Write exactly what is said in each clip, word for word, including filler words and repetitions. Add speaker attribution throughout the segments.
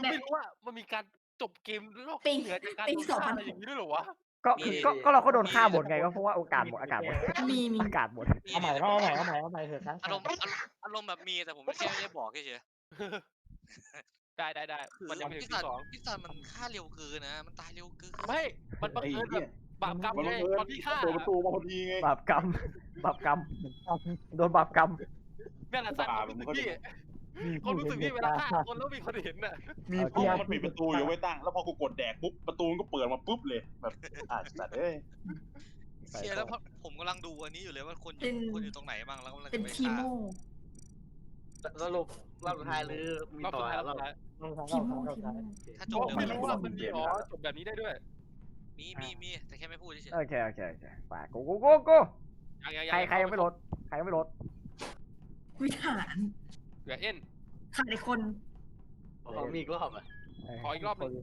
Speaker 1: ไม่รู้ว่ามันมีการจบเกมโลก
Speaker 2: ปิง
Speaker 1: เหนือจากการ
Speaker 2: ปิง
Speaker 1: โดน
Speaker 2: สอง
Speaker 1: ฆ่า
Speaker 2: พัน
Speaker 1: อะไรอย่างนี้ด้วยเหรอวะ
Speaker 3: ก็
Speaker 4: มี
Speaker 3: คือก็ก็เราก็โดนฆ่า
Speaker 4: มี
Speaker 3: หมดไงก็เพราะว่าโอกาสหมดอากาศหมด
Speaker 2: มีมี
Speaker 3: อากาศหมด
Speaker 4: มี
Speaker 5: เอาใหม่เอาใหม่เอาใหม่เอาใหม่เถอะครั้ง
Speaker 4: อารมณ์อารมณ์อารมณ์แบบมีแต่ผมไม่ใช่ไม่ได้บอกเฉย
Speaker 1: ได้ได้ได้
Speaker 4: ๆคือ
Speaker 1: มันยังไม่ถึ
Speaker 4: พี่
Speaker 1: ง
Speaker 4: สั
Speaker 1: ที่
Speaker 4: น
Speaker 1: สอง
Speaker 4: พี่สันมันฆ่าเร็วเกินนะมันตายเร็วเกิน
Speaker 1: ไม่มันบัง
Speaker 6: ไอ้
Speaker 1: เอิญแบ
Speaker 6: เหี้
Speaker 1: บ
Speaker 6: ย
Speaker 1: บาปกรรม
Speaker 6: มัน
Speaker 1: ไง
Speaker 6: บังเอิญ
Speaker 1: ตอนที่ฆ่า
Speaker 6: เปิดประตูมาพอดีไง
Speaker 3: บาปกรรมบาปกรรมโดนบาปกรรม
Speaker 1: นั่นแหละสัตว์
Speaker 6: บาป
Speaker 1: รู้
Speaker 6: มึ
Speaker 1: สึ
Speaker 6: ง
Speaker 1: ก
Speaker 6: เข้าใจ
Speaker 1: พี่
Speaker 6: ไหม
Speaker 1: คนรู้สึกพี่เวลาฆ่าคนแล้วมีคนเห็นน่ะ
Speaker 5: มี
Speaker 6: เพราะว่ามันปิดประตูอยู่ไว้ตั้งแล้วพอกูกดแดกปุ๊บประตูมันก็เปิดมาปุ๊บเลยแบบอ่ะสัตว์เอ้ย
Speaker 4: เชียร์แล้วผมกำลังดูอันนี้อยู่เลยว่าคนอ
Speaker 2: เป็
Speaker 4: ยู่
Speaker 2: น
Speaker 4: คนอยู่ตรงไหนบ้างแล้วกำลัง
Speaker 2: เป็น
Speaker 4: จะไป
Speaker 2: ที
Speaker 4: ฆ่า
Speaker 2: โม
Speaker 7: สรุปรอบสุดท้ายหรือมี
Speaker 1: รอบ
Speaker 7: ต่
Speaker 1: สุ
Speaker 7: อ
Speaker 1: ดท้ายรอบ
Speaker 7: รอบ
Speaker 1: สุดท้าย
Speaker 2: ทีโมทีโม
Speaker 4: ถ้าจ
Speaker 1: โอ้
Speaker 4: บเร็ว
Speaker 1: ไม่รู้ว่ามันมีอ๋อจบแบบนี้ได้ด้วย
Speaker 4: มีมีมีแต่แค่ไม่พูดเฉย
Speaker 3: โอเคโอเคโอเคไปกูกูกูกู
Speaker 1: ยังยัง
Speaker 3: ใครใครยังไม่ลดใครยังไม่ลด
Speaker 2: วิหาร
Speaker 1: เหลือเอ็น
Speaker 2: ขาดอีกคน
Speaker 7: ขอมีอีกรอบอ่ะ
Speaker 1: ขออีกรอบหนึ่ง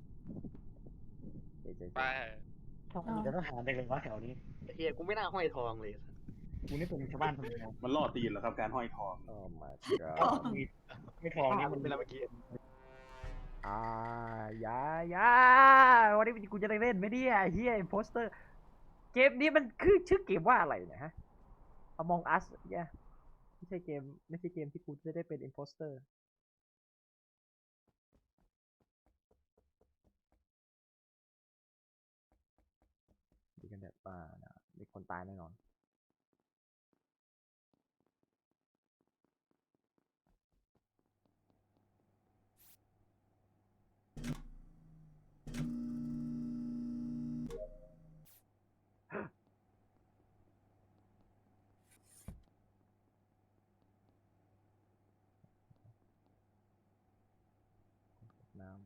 Speaker 3: เจ๊เจ๊
Speaker 1: ไป
Speaker 3: เจ๊
Speaker 5: ทำไมจะต้องหาได้เลยวะแถวนี้
Speaker 7: เฮียกูไม่น่าห้อยทองเลย
Speaker 5: กูนี่เป็นชาวบ้านคนเดียว
Speaker 6: มันล่อตีนเหรอครับการห้อยทอง
Speaker 3: โอ้ my god
Speaker 5: มีไม่ทองนี่
Speaker 7: มั
Speaker 5: มัน น
Speaker 7: เป็นอะไรเมื่อกี้
Speaker 3: อ่าอย่าอย่าวันนี้กูจะได้เล่นไหมเนี่ยเฮียโปสเตอร์เกมนี้มันคือชื่อเกมว่าอะไรนะฮะ Among Us เนี่ยไม่ใช่เกมไม่ใช่เกมที่กูจะได้เป็น imposter ดีกันแบบว่านะมีคนตายแน่นอน น้ำ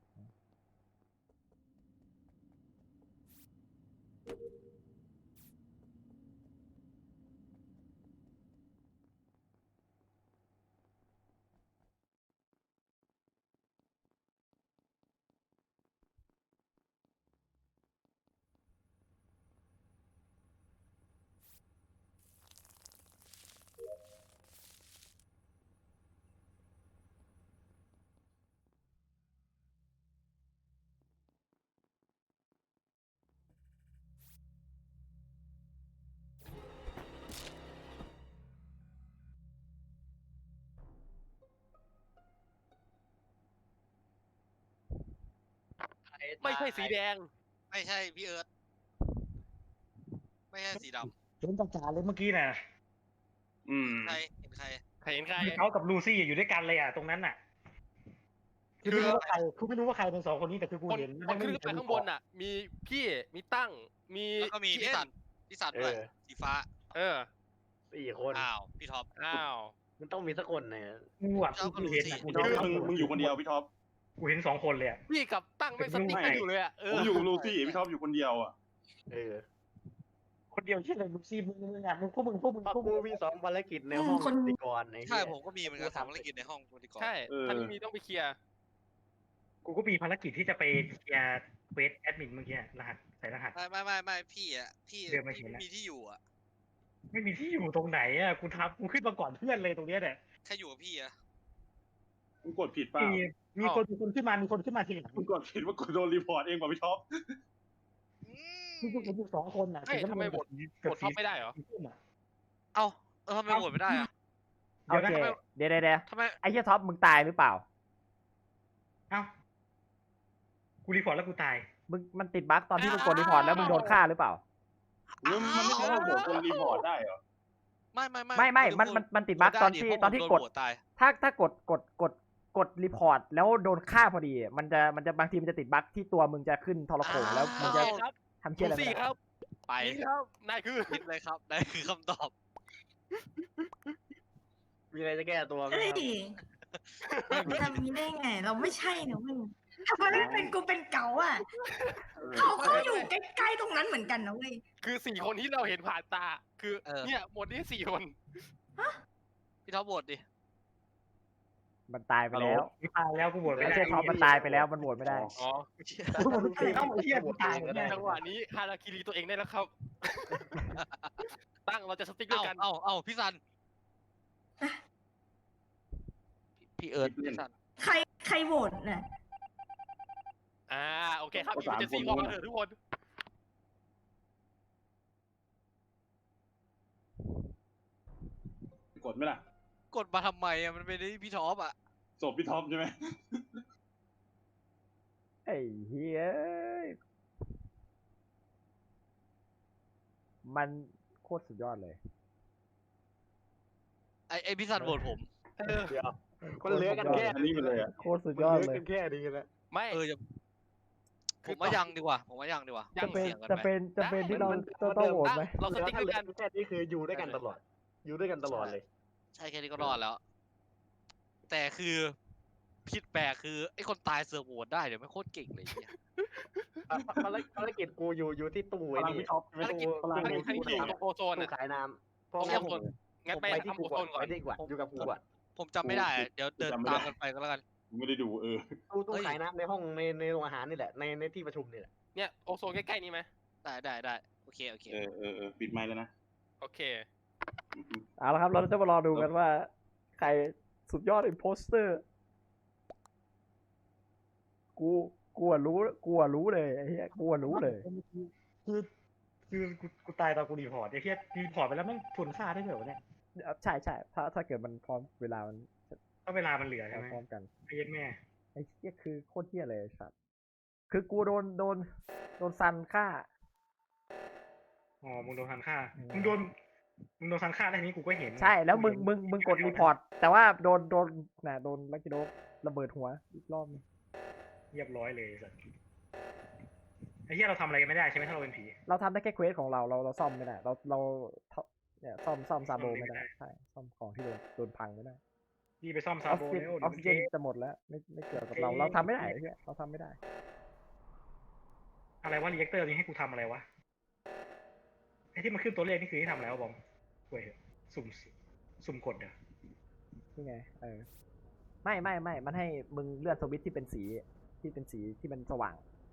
Speaker 1: ไม่ใช่สีแดง
Speaker 4: ๆไม่ใช่พี่เอิร์ธไม่ใช่สีด
Speaker 5: เห็นจ่าเลยเมื่อกี้น่ะ
Speaker 6: อืม
Speaker 4: ำใครเห็นใคร
Speaker 1: ใครเห็นใคร
Speaker 5: เขากับลูซี่อยู่ด้วยกันเลยอ่ะตรงนั้นน่ะคือไม่รู้ว่าใครคือไม่รู้ว่าใครเป็นสองคนนี้แต่คือกู
Speaker 1: คน
Speaker 5: เห็น
Speaker 1: คนขึ้นไปข้างบนอ่ะ มีพี่มีตั้งมี
Speaker 4: แล้วก็มีพี่
Speaker 1: เอ็
Speaker 4: สันพี่สันด้วยสีฟ้า
Speaker 1: เออ
Speaker 7: สี่คน
Speaker 4: อ้าวพี่ท็อป
Speaker 1: อ้าว
Speaker 7: มันต้องมีสักคนเนี่ย
Speaker 5: กูอ่ะกูเห็นอ่ะกู
Speaker 6: คือมึงมึงอยู่คนเดียวพี่ท็อป
Speaker 5: กูเห็นสองคนเลยอ่ะ
Speaker 1: พี่กับตั้งไม่สติ๊กกันอยู่เลยอ่ะเอ
Speaker 6: ผ
Speaker 1: อ
Speaker 6: มอยู่กับลูซี่พี่ท็อปอยู่คนเดียวอ่ะ
Speaker 7: เออ
Speaker 5: คนเดียวที่เลยลูซี่มึงมึงอ่ะมึงพวกมึงพวกมึง
Speaker 7: เพราะ
Speaker 5: พวก
Speaker 7: กู
Speaker 5: มึง
Speaker 7: มีสองภารกิจในห้องปฏิกรไอ้
Speaker 4: ใช่
Speaker 7: เหี้ย
Speaker 4: ผมก็มีเหมือนกันสองภารกิจในห้องปฏิกร
Speaker 1: ใช่ถ้าไม่มีต้องไปเคลียร์
Speaker 5: กูก็มีภารกิจที่จะไปเคลียร์เควสแอดมินเมื่อกี้รหัสใส่รหัส
Speaker 4: ไม่ไม่ไม่ไม่พี่อ่ะพี่
Speaker 5: เดินมา
Speaker 4: พี่
Speaker 5: เห็น
Speaker 4: ไม่
Speaker 5: แล้ว
Speaker 4: มีที่อยู่อ่ะ
Speaker 5: ไม่มีที่อยู่ตรงไหนอ่ะกูทำกูขึ้นมาก่อนเพื่อนเลยตรงเนี้ยเนี่ย
Speaker 4: ใครอยู่กับพี่อ่ะ
Speaker 6: มึงกดผิดเปล่า
Speaker 5: มีมีคนมีคนขึ้นมามีคนขึ้นมาทีหลัง
Speaker 6: มึงกดผิดว่ากดโดนรีพอร์ตเองกว่าพี่ท็อป
Speaker 4: อื
Speaker 5: มี
Speaker 4: ม
Speaker 5: พวกผมอยู่สองคนอ่ะ
Speaker 1: เฮ้ยทำไมบทบทท็อปไม่ได้เหรอ
Speaker 4: เอ้าเออทำไมโหวตไม่ได้อ่ะ
Speaker 3: โอเคเดี๋ยวเดี๋ยวเดี๋ยว
Speaker 4: ทำไม
Speaker 3: ไอ้เหี้ยท็อปมึงตายหรือเปล่า
Speaker 5: เอ้ากูรีพอร์ตแล้วกูตาย
Speaker 3: มึงมันติดบั๊กตอนที่มึงกดรีพอร์ตแล้วมึงโดนฆ่าหรือเปล่า
Speaker 6: หรือมันไม่ใช่ว่าโหวตคนรีพอร์ตได้เหรอ
Speaker 4: ไม่ไม่ไม่
Speaker 3: ไม่ไม่มันมันมันติดบั๊กตอนที่ตอนที่กด
Speaker 4: โหวตตาย
Speaker 3: ถ้าถ้ากดกดกดกดรีพอร์ตแล้วโดนฆ่าพอดี มันจะมันจะบางทีมันจะติดบั๊กที่ตัวมึงจะขึ้นทรโขงแล้วมึงจะ
Speaker 1: ครับ
Speaker 3: ทำเชี่ยอะไร
Speaker 1: ลูซี่
Speaker 3: ไม่ได้
Speaker 1: ครับ
Speaker 4: ไป
Speaker 1: นี่ครับนายคือ
Speaker 4: คิดเลยครับนั่นคือคำตอบ
Speaker 7: มีอะไรจะแก้ตัวไหม
Speaker 2: เฮ้ย
Speaker 7: ครับ
Speaker 2: ทำนี้ได้ไง เราไม่ใช่นะมึงทำไมไม่เป็นกูเป็นเก๋าอ่ะเขาก็อยู่ใกล้ๆตรงนั้นเหมือนกันนะเว้ย
Speaker 1: คือสี่คนที่เราเห็นผ่านตา คือ
Speaker 4: เออ
Speaker 1: เนี่ยหมดนี้สี่คน
Speaker 4: พี่ท็อปโหวตดิ
Speaker 3: มันตายไปแล้ว
Speaker 5: กูตายแล้วกูโหวตไม่
Speaker 3: ไม่
Speaker 5: ได้
Speaker 3: ใช่ท็อปมันตายไปแล้วมันโหวตไม่ได้
Speaker 1: อ๋อ
Speaker 5: กูโหวตไม่ได้เอ้าไอ้เหี้ยกูตายแล้ว
Speaker 1: จังหวะนี้ฮาราคิรีตัวเองได้แล้วครับ ตั้งเราจะสติ๊กด้ว
Speaker 4: เอ้าย
Speaker 1: กัน
Speaker 4: เอ้าเอ้าพี่สันพี่เอิร์ธพี่สัน
Speaker 2: ใครใครโหวตน่ะ
Speaker 1: อ่าโอเคครับอีเจนซี่ออกมาเถอะทุกคน
Speaker 6: กดไหมล่ะ
Speaker 4: กดมาทำไมอ่ะมันเป็นไอ้พี่ท็อปอ่ะ
Speaker 6: ศพพี่ท็อปใช่ไหม
Speaker 3: ไอ้เฮียมันโคตรสุดยอดเลย
Speaker 4: ไอ้ไอ้พี่ซันโหวตผม
Speaker 7: เดี๋ยวมันเหลือกันแค่
Speaker 6: อันนี้ไปเลยอะ
Speaker 3: โคตรสุดยอด
Speaker 7: มันเหลื
Speaker 3: เลย
Speaker 7: กันแค่นี้แล้ว
Speaker 1: ไม่
Speaker 4: เออจะผมว่ายังดีกว่า ผมว่ายังดีกว่า
Speaker 3: จะเป็น
Speaker 4: เสี่ยงกัน
Speaker 3: จะ
Speaker 4: ไป
Speaker 3: เป็นจะเป็นที่เรา
Speaker 7: มัน
Speaker 3: ต้องต้องโหวตไหม
Speaker 1: เราสติ๊ก
Speaker 7: ถ้า
Speaker 1: ด้วย
Speaker 7: เหลื
Speaker 1: กั
Speaker 7: อน แค่นี้คืออยู่ด้วยกันตลอด อยู่ด้วยกันตลอดเลย
Speaker 4: ใช่แค่นี้ก็รอดแล้ว แต่คือผิดแปลกคือไอ้คนตายเสือกโหวตได้เดี๋ยวไม่โคตรเก่งเลยเนี่ย
Speaker 7: ภารภารกิจกูอยู่อยู่ที่ตู้ไอ้นี่
Speaker 1: ภารกิจ
Speaker 7: ตู้
Speaker 1: ภารกิจที่อยู่ตรงโอโซน
Speaker 7: ตู้
Speaker 1: อ่ะ
Speaker 7: ขายน้ำเพราะ
Speaker 1: โอ
Speaker 7: งั้น
Speaker 1: โซนงั้นไป
Speaker 7: ไปที่
Speaker 1: ทำ
Speaker 7: กู
Speaker 1: โอโซ
Speaker 7: ก่อน
Speaker 1: นก่อน
Speaker 7: ไปที่กูก่อนอยู่กับกูก่อน
Speaker 4: ผมจำไม่ได้อะเดี๋ยวเดินตามกันไปก็แล้วกัน
Speaker 6: ไม่ได้ดูเออ
Speaker 7: ตู้ตู้
Speaker 4: เฮ้ย
Speaker 7: ขายน้ำในห้องในในโรงอาหารนี่แหละในในที่ประชุมนี่แหละ
Speaker 1: เนี่ยโอโซนใกล้ๆนี้ไหม
Speaker 4: ได้ได้ได้โอเคโอเค
Speaker 6: เออเออเออปิดไมค์แล้วนะ
Speaker 1: โอเค
Speaker 3: เอาละครับ เราจะมารอดูกันว่า ใครสุดยอดอินโพสเตอร์ กูกูอะรู้กูอะรู้เลยไอ้เหี้ยกูอะรู้เลย
Speaker 5: คือคือกูกูตายตอนกูรีพอร์ตไอ้เหี้ยรีพอร์ตไปแล้วแม่งทวนค่าได้เหรอวะเนี่ย
Speaker 3: ใช่ใช่ถ้าถ้าเกิดมันพร้อมเวลามัน
Speaker 5: ถ้าเวลามันเหลือใช่ไหม
Speaker 3: พร้อมกัน
Speaker 5: ไอ้เหี้ยแม่
Speaker 3: ไอ้เหี้ยคือโคตรเหี้ยเลยไอ้สัตว์คือกูโดนโดนโดนซันฆ่า
Speaker 5: อ๋อมึงโดนทันฆ่า
Speaker 3: อืม
Speaker 5: มึงโดนมึงโดนทันฆ่าได้นี้กูก็เห็น
Speaker 3: ใช่แล้วมึงมึงมึงกดรีพอร์ต แต่ว่าโดนโดนน่ะโดนลักกิโดระเบิดหัวอีกรอบนึง
Speaker 5: เรียบร้อยเลยสัสไอ้เหี้ยเราทำอะไรกันไม่ได้ใช่ไหมถ้าเราเป็นผี
Speaker 3: เราทำได้แค่เควสของเราเราเราซ่อมไม่ได้ เราเราเนี่ยซ่อมซ่อมซาโบ
Speaker 5: ซ่อมไม่
Speaker 3: ไม่
Speaker 5: ได้
Speaker 3: ได้ใช่ซ่อมของที่โดนโดนพังไม่ได้
Speaker 5: พี่ไปซ่อม
Speaker 3: อ
Speaker 5: ซา
Speaker 3: อก
Speaker 5: โบ
Speaker 3: ซิเจน
Speaker 5: แล้ว
Speaker 3: ออกซิเจนจะหมดแล้วไม่ไม่เกี่ยวกับเราเราทำไม่ได้ไอ้เหี้ยเราทำไม่ได้
Speaker 5: อะไรวะรีแอคเตอร์นี้ให้กูทำอะไรวะไอ้ที่มันขึ้นตัวเลขนี่คือให้ทำอะไรวะบอมเว้ยสุ่มสุ่มกดเหรอ
Speaker 3: นี่ไงเออไม่ไม่ไม่มันให้มึงเลื่อนสวิตช์ที่เป็นสีที่เป็นสีที่มันสว่าง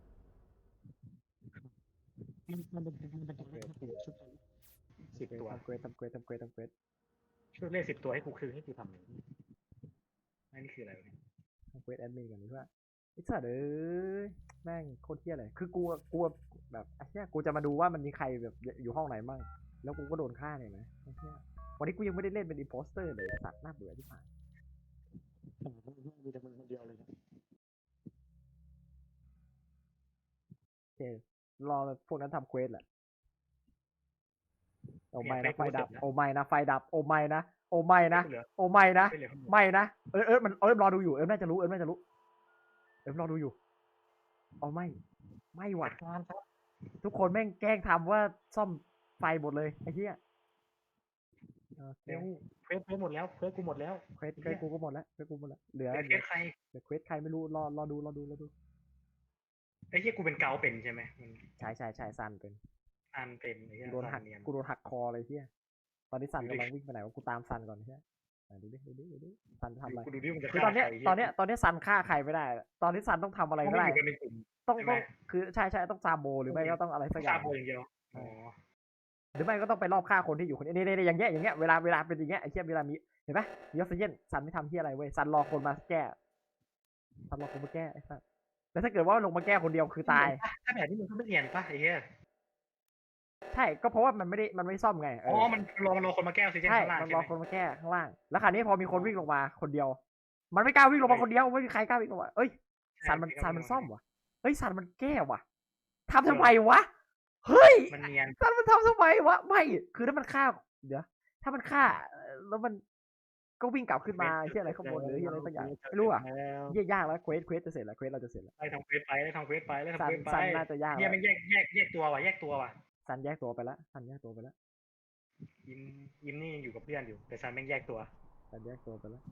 Speaker 5: มันมันเป็นมันเป็นตัวเลขให้กูชุดสิบตัว
Speaker 3: ทำเควสทำเควสทำเควสทำเควส
Speaker 5: ชุดเลขสิบตัวให้กูคือให้กูทำเลยอันนี้คืออะไรวะเนี่ย
Speaker 3: ทำเควสแอดมินกันดีกว่าไอ้สัตว์เอ้ยแม่งโคตรเหี้ยเลยคือกูกูแบบไอ้เหี้ยกูจะมาดูว่ามันมีใครแบบอยู่ห้องไหนบ้างแล้วกูก็โดนฆ่าเนี่ยนะไอ้เหี้ยวันนี้กูยังไม่ได้เล่นเป็นอินโพสเตอร์เลยไอ้สัตว์น่าเบื่อที่ผ่าน
Speaker 5: มีแต่มึงคนเดียวเลย
Speaker 3: โอเครอพวกนั้นทำเควสแหละโอ้ไม่นะไฟดับโอ้ไม่นะไฟดับโอ้ไม่นะโอ้ไม่นะ
Speaker 5: เหลือ
Speaker 3: โอ้ไม่นะ
Speaker 5: ไม่เหลือข้างบน
Speaker 3: ไม่นะเออเออมันเออรอดูอยู่เออน่าจะรู้เออน่าจะรู้เออรอดูอยู่เอาไม่ไม่หวัด
Speaker 5: การครับ
Speaker 3: ทุกคนแม่งแกล้งทำว่าซ่อมไฟหมดเลยไอ้เหี้ยโอเค
Speaker 5: เร็วเควสเควสหมดแล้วเควสกูหมดแล้ว
Speaker 3: เควสเควสกูก็หมดแล้วเควสกูหมดแล้วเหลือ
Speaker 5: เควส
Speaker 3: เหลือ
Speaker 5: ใคร
Speaker 3: เหลือเควสใครไม่รู้รอรอดูรอดูรอดู
Speaker 5: ไอ้เหี้ยกูเป็นเกาเป็นใช่ไหมมัน
Speaker 3: ใช่ใช่ใช่ซันเป็น
Speaker 5: อันเป็นไอ้เหี้ย
Speaker 3: กูโดนหัก
Speaker 5: เนียน
Speaker 3: กูโดนหักคอเลยเหี้ยตอนนี้ซัน
Speaker 5: ดูดิ
Speaker 3: กำลังวิ่งไปไหนวะกูตามซันก่อนเหี้ยไหนดูดิดูดิดูดิซันทำอะไร
Speaker 5: กูดูดิมึงจะ
Speaker 3: คือ
Speaker 5: ฆ่า
Speaker 3: ตอนเนี้ย
Speaker 5: ใคร
Speaker 3: ตอนเนี้ยตอนเนี้ยซันฆ่าใครไม่ได้ ตอนนี้ซันต้องทำอะไร
Speaker 5: เขา
Speaker 3: ก็
Speaker 5: ไม่
Speaker 3: ได้
Speaker 5: อยู่กันในกลุ่ม
Speaker 3: ต้อง
Speaker 5: ใช่ไหม
Speaker 3: ต้องคือใช่ใช่ต้องซาโบหรือไม่ก็ต้องอะไรสักอ
Speaker 5: ซา
Speaker 3: ย่าง
Speaker 5: โบอย่างเดียวอ๋อ
Speaker 3: หรือไม่ก็ต้องไปรอบฆ่าคนที่อยู่คนนี้นี่นี่อย่างเงี้ยอย่างเงี้ยเวลาเวลาเป็นอย่างเงี้ยไอ้เชี่ยเวลามีเห็นปะมีออกซิเจนซันไม่ทำที่อะไรเว้ยซันรอคนมาแก้ซันรอคนมาแก้ไอ้สัสแล้วถ้าเกิดว่าลงมาแก้คนเดียวคือตาย
Speaker 5: ถ้าแบบนี้มึงก็ไม่เนียนป่ะไอ้เหี้ย
Speaker 3: ใช่ก็เพราะว่ามันไม่ได้มันไม่ซ่อมไงเอ
Speaker 5: อ๋อ
Speaker 3: อ
Speaker 5: มันรอมันรอคนมาแก้ออกซิเจน
Speaker 3: ใช่
Speaker 5: ข้างล่าง
Speaker 3: มัน
Speaker 5: ใช่
Speaker 3: รอ
Speaker 5: ไหม
Speaker 3: คนมาแก้ข้างล่าง แล้วคราวนี้พอมีคนวิ่งลงมาคนเดียว มันไม่กล้าวิ่งลงมาคนเดียวไม่มีใครกล้าวิ่งลงมาเอ้ยซันมันซันมันซ่อมวะเฮ้ยซันมันแก้วะทำทำไมวะเฮ้ย
Speaker 5: มันเนียน
Speaker 3: ซันมันทำทำไมวะไม่คือถ้ามันฆ่าเดี๋ยวถ้ามันฆ่าเอ่อแล้วมันก็วิ่งกลับขึ้นมาที่อะไรข้างบนหรือที่อะไรสักอย่างไม่รู้อ่ะ
Speaker 5: แล้ว
Speaker 3: เยี่ยยากแล้วเควสเควสจะเสร็จแล้วเควสเราจะเสร็จแล้ว
Speaker 5: ไล่ทำเควสไปไล่ทำเควสไปไล่ทำ
Speaker 3: ซัน
Speaker 5: เควสไป
Speaker 3: ซันน่าจะยาก
Speaker 5: เนี่
Speaker 3: แล้
Speaker 5: ยว มันแยกแยกแยกตัวว่ะแยกตัวว่ะ
Speaker 3: ซันแยกตัวไปแล้วซันแยกตัวไปแล้ว
Speaker 5: ยิมยิมนี่ยังอยู่กับเพื่อนอยู่แต่ซันแม่งแยกตัว
Speaker 3: ซันแยกตัวไปแล้ว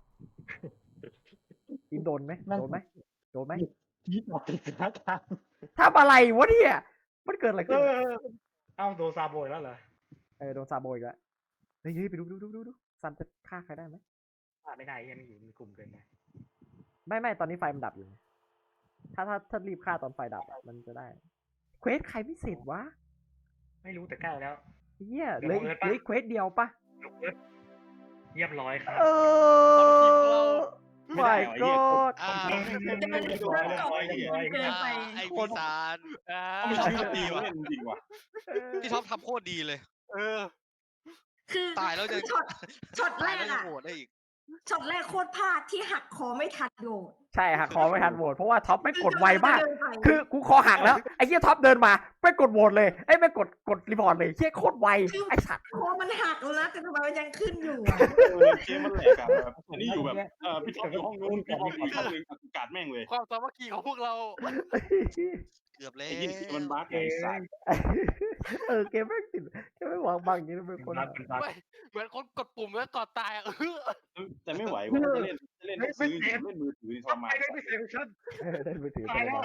Speaker 3: อิมโดนไหมโดนไหมโดนไหม
Speaker 5: ยิบออกติดสถานการณ์
Speaker 3: ทำอะไรวะเนี่ยมันเกิดอะไร
Speaker 5: เอ
Speaker 3: ขึ้น
Speaker 5: อเอ้าโดนซาโบยแล้วเหรอ
Speaker 3: เออโดนซาโบอีกแล้วเฮ้ยเฮ้ยไปดูดูดูดูดูซันจะฆ่าใครได้ไหม
Speaker 5: ฆ่าไม่ได้ยังอยู่ในกลุ่มเกินไป
Speaker 3: ไม่ไม่ตอนนี้ไฟมันดับอยู่ไงถ้าถ้าถ้ารีบฆ่าตอนไฟดับอะมันจะได้เควสใครไม่เสร็จวะ
Speaker 5: ไม่รู้แต่ใกล้แล้ว
Speaker 3: เฮีย
Speaker 5: เดี๋
Speaker 3: เห
Speaker 5: ยว
Speaker 3: ลือ
Speaker 5: บังเอิญปะ
Speaker 3: เหลือเควสเดียวปะ
Speaker 5: เรียบร้อยครับ
Speaker 3: เออ
Speaker 6: ไม่ได้
Speaker 3: my
Speaker 6: เหรอไอ้เหี้ย
Speaker 3: god
Speaker 4: อ่า
Speaker 2: แต่มันเรื่องเก่ามันเกินไป
Speaker 4: ไอ้ปีศาจ
Speaker 1: อ่า
Speaker 6: เขาไม่ใช่ก็ดีว่ะเล่นจริงว่ะ
Speaker 4: พี่ท็อปทำโคตรดีเลย
Speaker 1: เออ
Speaker 2: คือ
Speaker 4: ตายแล้วยัง
Speaker 2: ช็อตช็อตแร
Speaker 4: ตาย
Speaker 2: ก
Speaker 4: แล้วยัง
Speaker 2: อะ
Speaker 4: โหวตได้อีก
Speaker 2: ช็อตแรกโคตรพลาดที่หักคอไม่ทันโดด
Speaker 3: ใช่หักคอไม่ทันโหวตเพราะว่าท็อปไม่กดไวมาก
Speaker 2: เดินไป
Speaker 3: คือกูคอหักแล้วไอ้เหี้ยท็อปเดินมาไม่กดโหวตเลยไอ้ยไม่กดกดรีพอร์ตเลยเหี้ยโคตรไวไอ้สัตว์
Speaker 2: คอมันหักแล้วนะแต่ทำไมมันยังขึ้นอยู่อะ
Speaker 6: เออเกมมันแหลกอะแบบอันนี้อยู่แบบเออพี่ท็อปอยู่ห้องนู้นพี่บอมอยู่ห้องนึงกาดแม่งเลย
Speaker 1: ความสามัคคีของพวกเรา
Speaker 4: เกือบเลย
Speaker 6: ไอ้ยี่นี่มันบั๊กไอ้สัตว์
Speaker 3: เออเกมไม่งติดเกมไม่งวางบังอย่างนี้นะเป็นคน
Speaker 5: รัดเป็นรัด
Speaker 1: ไม่เหมือนคนกดปุ่มแล้วกดตายอะเออ
Speaker 6: แต่ไม่ไหวว่ะจะเล่นจะเล่นซื้อเล่นมือถือทรมาน
Speaker 5: ไม่ได้ไม่เสียฉัน
Speaker 3: เออได้มือถือ
Speaker 5: ตายแล้ว
Speaker 3: ไป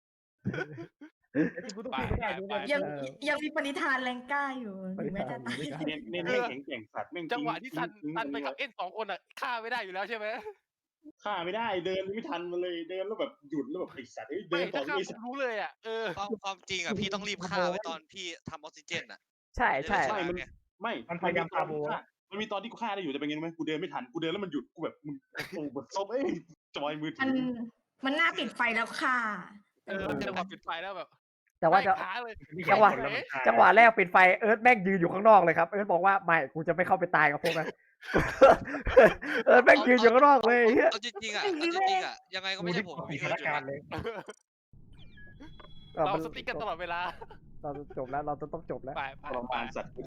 Speaker 5: กูต้องไม่ได้กูไม่ได้
Speaker 2: ยังยังมีปณิธานแรงกล้าอยู่ถึงแม้จะตาย
Speaker 6: เน้นเน้นให้แข็งแกร่งสัตว์แม่ง
Speaker 1: จังหวะที่ซันซันไปกับเอ็นสองคนอ่ะฆ่าไม่ได้อยู่แล้วใช่ไหม
Speaker 6: ฆ่าไม่ได้เดินไม่ทันมันเลยเดินแล้วแบบหยุดแล้วแบบไอ้สัตว์เดิ
Speaker 1: ไม่
Speaker 6: นต่
Speaker 1: ถ้า
Speaker 6: อ
Speaker 1: ฆ่า
Speaker 6: ไอ้
Speaker 1: ผ
Speaker 6: สัต
Speaker 1: ม
Speaker 6: ว์
Speaker 1: รู้เลยอ่ะเออ
Speaker 4: ความความจริงอ่ะพี่ต้องรีบฆ่าไว้ตอนพี่ทำออกซิเจนอ่ะ
Speaker 3: ใช่ใช่
Speaker 4: ใช่
Speaker 6: มัน
Speaker 4: ไง
Speaker 6: ไม่
Speaker 5: มันพยายามพาโบ
Speaker 6: มันมีตอนที่กูฆ่าได้อยู่แต่เป็นไงรู้ไหมกูเดินไม่ทันกูเดินแล้วมันหยุดกูแบบมึงโอ้แบบซบเอ้ยจอยมือถื
Speaker 2: มัน
Speaker 6: อ
Speaker 2: มันน่าปิดไฟแล้วค่ะ
Speaker 1: เออจังหวะปิดไฟแล้วแบบ
Speaker 3: แต่ว่าจะ
Speaker 1: ไม่ค้าเลย
Speaker 3: จังหวะ จังหวะแรกปิดไฟเอิร์ธแม่งยืนอยู่ข้างนอกเลยครับเอิร์ธบอกว่าไม่กูจะไม่เข้าไปตายกับพวกนั้น เอิร์ธแม่งยืนอยู่ข้างนอกเลยเหี้ย
Speaker 4: เอาจริงๆอ่ะเอาจริงๆอ่ะยังไงก็ไม่ใช่ผมกับ
Speaker 5: มี
Speaker 4: พี่
Speaker 5: ส
Speaker 4: เอิ
Speaker 5: ถา
Speaker 4: ร์
Speaker 5: น
Speaker 4: ธอยู่
Speaker 5: การณ์
Speaker 4: แล้ว
Speaker 5: เลย
Speaker 3: เออ
Speaker 1: เรา
Speaker 3: มัน
Speaker 1: สติ๊กกันตลอดเวลา
Speaker 3: เราจบแล้วเราจะต้องจบแล้ว
Speaker 1: ไปไป
Speaker 6: ทร
Speaker 1: ไป
Speaker 6: มานสัตว์